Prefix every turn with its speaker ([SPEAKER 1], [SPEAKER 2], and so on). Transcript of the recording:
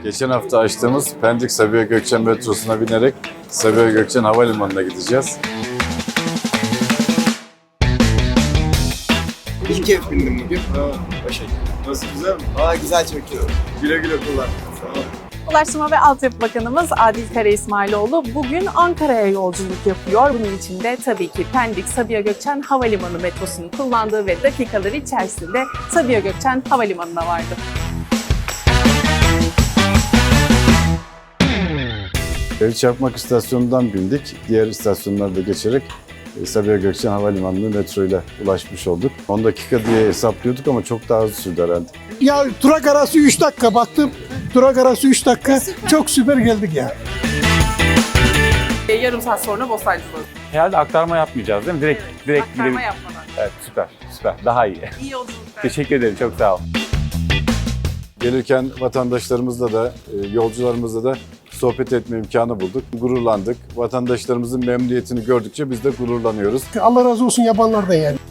[SPEAKER 1] Geçen hafta açtığımız Pendik Sabiha Gökçen metrosuna binerek Sabiha Gökçen Havalimanı'na gideceğiz.
[SPEAKER 2] İlk kez bindim bugün. Başarılı. Nasıl, güzel mi? Güzel çekiyor. Güle güle kullan. Sağ ol.
[SPEAKER 3] Ulaştırma ve Altyapı Bakanımız Adil Kara İsmailoğlu bugün Ankara'ya yolculuk yapıyor. Bunun için de tabii ki Pendik Sabiha Gökçen Havalimanı metrosunu kullandığı ve dakikaları içerisinde Sabiha Gökçen Havalimanı'na vardı.
[SPEAKER 1] Çakmak istasyonundan bindik. Diğer istasyonlarda geçerek Sabiha Gökçen Havalimanı'na metro ile ulaşmış olduk. 10 dakika diye hesaplıyorduk ama çok daha hızlı sürdü herhalde.
[SPEAKER 4] Ya durak arası 3 dakika baktım. Durak arası 3 dakika. Çok süper geldik ya.
[SPEAKER 3] Yarım saat sonra Bostancı'dayız.
[SPEAKER 5] Herhalde aktarma yapmayacağız değil mi? Direkt
[SPEAKER 3] Aktarma
[SPEAKER 5] gidelim.
[SPEAKER 3] yapmadan.
[SPEAKER 5] Evet, süper. Daha iyi.
[SPEAKER 3] İyi yolculuklar.
[SPEAKER 5] Teşekkür ederim, çok sağ ol.
[SPEAKER 1] Gelirken vatandaşlarımızla da, yolcularımızla da sohbet etme imkanı bulduk. Gururlandık. Vatandaşlarımızın memnuniyetini gördükçe biz de gururlanıyoruz.
[SPEAKER 4] Allah razı olsun yapanlardan yani.